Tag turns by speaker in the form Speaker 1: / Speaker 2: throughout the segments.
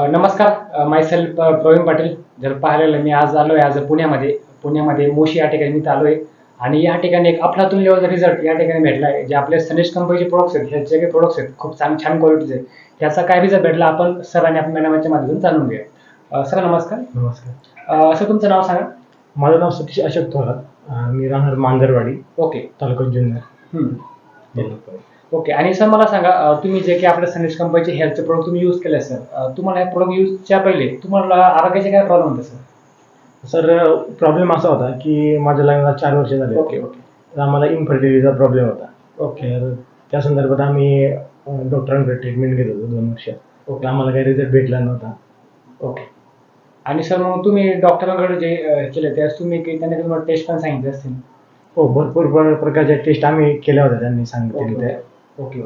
Speaker 1: नमस्कार, मायसेल्फ प्रवीण पाटील. जर पाहिलेलं मी आज आलोय आज पुण्यामध्ये मोशी या ठिकाणी मी आलोय आणि या ठिकाणी एक अफलातून लेवलचा रिझल्ट या ठिकाणी भेटला आहे. जे आपले सनेज कंपनीचे प्रोडक्ट्स आहेत, ह्याचे जे काही प्रोडक्ट्स आहेत खूप छान क्वालिटीचे, त्याचा काय रिझल्ट भेटला आपण सरांनी आपल्या मॅडमच्या माध्यमातून जाणून घेऊया. सर नमस्कार.
Speaker 2: नमस्कार.
Speaker 1: सर तुमचं नाव सांगा.
Speaker 2: माझं नाव सतीश अशोक थोरात. मी राहणार मांजरवाडी,
Speaker 1: ओके.
Speaker 2: तालुका जुन्नर.
Speaker 1: ओके. आणि सर मला सांगा, तुम्ही जे काही आपल्या सनेज कंपनीचे हेल्थचे प्रोडक्ट तुम्ही यूज केले सर, तुम्हाला हे प्रोडक्ट यूजच्या पहिले तुम्हाला आरोग्याचे काय प्रॉब्लेम होते सर?
Speaker 2: सर प्रॉब्लेम असा होता की माझ्या लग्नाला 4 वर्ष झाले.
Speaker 1: ओके.
Speaker 2: तर आम्हाला इन्फर्टिलिटीचा प्रॉब्लेम होता.
Speaker 1: ओके.
Speaker 2: तर त्या संदर्भात आम्ही डॉक्टरांकडे ट्रीटमेंट घेत होतो 2 वर्ष.
Speaker 1: ओके.
Speaker 2: आम्हाला काही रिझल्ट भेटला नव्हता.
Speaker 1: ओके. आणि सर मग तुम्ही डॉक्टरांकडे जे केले त्यास तुम्ही त्यांनी तुम्हाला टेस्ट पण सांगितले असतील?
Speaker 2: हो, भरपूर प्रकारच्या टेस्ट आम्ही केल्या होत्या त्यांनी सांगितले त्या.
Speaker 1: ओके.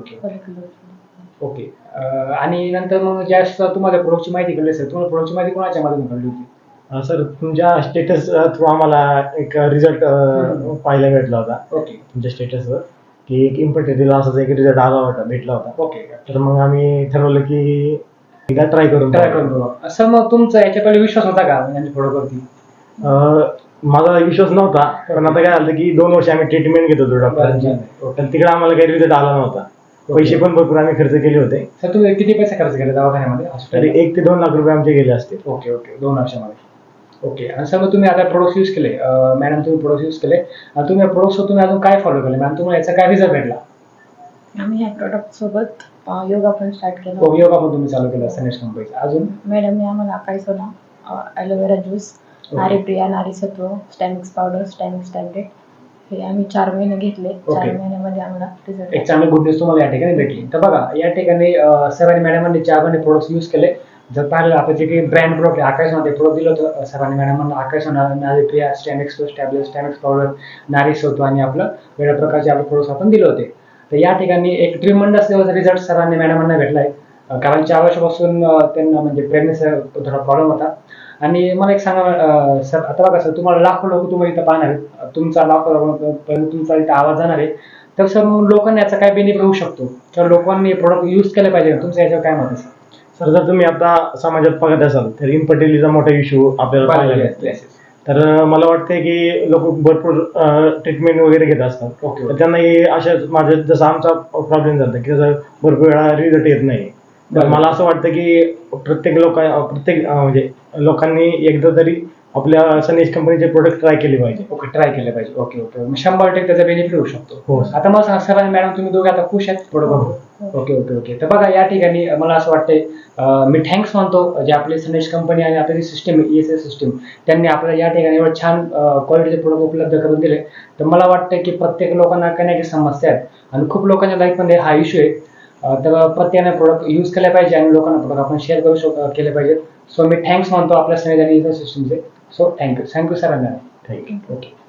Speaker 1: ओके. आणि नंतर मग ज्यावेळेस तुम्हाला प्रोडक्टची माहिती कळली सर, तुम्हाला प्रोडक्टची माहिती कोणाच्या माध्यमातून कळली होती?
Speaker 2: सर तुमच्या स्टेटस थ्रू आम्हाला एक रिझल्ट पाहायला भेटला होता.
Speaker 1: ओके.
Speaker 2: तुमच्या स्टेटसवर की एक इन्फर्टिलिटीला असाच एक रिझल्ट भेटला होता.
Speaker 1: ओके.
Speaker 2: तर मग आम्ही ठरवलं की एकदा ट्राय करून
Speaker 1: बघा. सर मग तुमचा याच्या पहिले विश्वास होता का यांच्या प्रोडक्टवरती?
Speaker 2: माझा विश्वास नव्हता, पण आता काय झालं की 2 वर्ष आम्ही ट्रीटमेंट घेत होतो डॉक्टरांची. तर तिकडे आम्हाला काही रिझल्ट आला नव्हता. पैसे पण भरपूर आम्ही खर्च केले होते.
Speaker 1: सर तुम्ही किती पैसे खर्च केले दवाखान्यामध्ये?
Speaker 2: तरी 1 ते 2 लाख रुपये आमचे गेले असते.
Speaker 1: ओके. 2 वर्षामध्ये. ओके. आणि सर मग तुम्ही आता प्रोडक्ट यूज केले, मॅडम तुम्ही प्रोडक्ट यूज केले, तुम्ही प्रोडक्ट तुम्ही अजून काय फॉलो केले मॅडम? तुम्हाला याचा काय रिझल्ट भेटला?
Speaker 3: आम्ही ह्या प्रोडक्ट सोबत योगा पण स्टार्ट केला.
Speaker 1: योगा पण तुम्ही चालू केला सनेज कंपनीचा. अजून
Speaker 3: मॅडमने आम्हाला अकाई सोना, aloe vera juice, Naripriya, Narisatva, Stamix powder, Stamix tablet हे आम्ही 4 महिने घेतले. 4 महिन्यामध्ये आम्हाला रिझल्ट
Speaker 1: एक चांगली गुड न्यूज तुम्हाला या ठिकाणी भेटली. तर बघा या ठिकाणी सरांनी मॅडमांनी 4 महिने प्रोडक्ट्स यूज केले. जर पाहिलं आपण जे काही ब्रँड प्रोडक्ट आकाशमध्ये प्रोडक्ट दिलं होतं सरांनी मॅडमांना, आकाश नारीप्रिया, स्टॅमिक्स टॅबलेट, स्टॅमिक्स पावडर, नारीसत्व आणि आपलं वेगळ्या प्रकारचे आपले प्रोडक्ट्स आपण दिले होते. तर या ठिकाणी एक ट्रिमंडस लेवलचा रिझल्ट सरांनी मॅडमांना भेटलाय. कारण 4 वर्षापासून त्यांना म्हणजे प्रेग्नन्सीचा थोडा प्रॉब्लेम होता. आणि मला एक सांगा सर, आता बघा सर, तुम्हाला लाखो लोक तुम्हाला इथं पाहणार आहेत, तुमचा तुमचा इथं आवाज जाणार आहे. तर सर मग लोकांना याचा काय बेनिफिट होऊ शकतो? तर लोकांनी प्रोडक्ट यूज केले पाहिजे, तुमचं याच्यावर काय मत आहे सर?
Speaker 2: सर जर तुम्ही आता समाजात बघत असाल तर इन्फर्टिलिटीचा मोठा इश्यू आपल्याला पाहायला मिळतो. तर मला वाटतंय की लोक भरपूर ट्रीटमेंट वगैरे घेत असतात.
Speaker 1: ओके.
Speaker 2: तर त्यांनाही अशा माझ्या जसा आमचा प्रॉब्लेम झाला की भरपूर वेळा रिझल्ट येत नाही. तर मला असं वाटतं की प्रत्येक म्हणजे लोकांनी एकदा तरी आपल्या सनेज कंपनीचे प्रोडक्ट ट्राय केले पाहिजे.
Speaker 1: ट्राय केले पाहिजे. ओके. 100% त्याचा बेनिफिट होऊ शकतो.
Speaker 2: हो.
Speaker 1: आता मला सांगा सर आणि मॅडम, तुम्ही दोघे आता खुश आहेत प्रोडक्ट? ओके. तर बघा या ठिकाणी मला असं वाटतंय, मी थँक्स मानतो जे आपले सनेज कंपनी आणि आपली सिस्टम ESS सिस्टम त्यांनी आपल्याला या ठिकाणी एवढं छान क्वालिटीचे प्रोडक्ट उपलब्ध करून दिले. तर मला वाटतं की प्रत्येक लोकांना काही ना काही समस्या आहेत आणि खूप लोकांच्या लाईफमध्ये हा इश्यू आहे. तर प्रत्येकाने प्रोडक्ट यूज केले पाहिजे आणि लोकांना प्रोडक्ट आपण शेअर केले पाहिजेत. सो मी थँक्स मानतो आपल्या सनेज आणि ESS सिस्टमचे. So thank you sir.
Speaker 2: Thank you.
Speaker 1: Okay.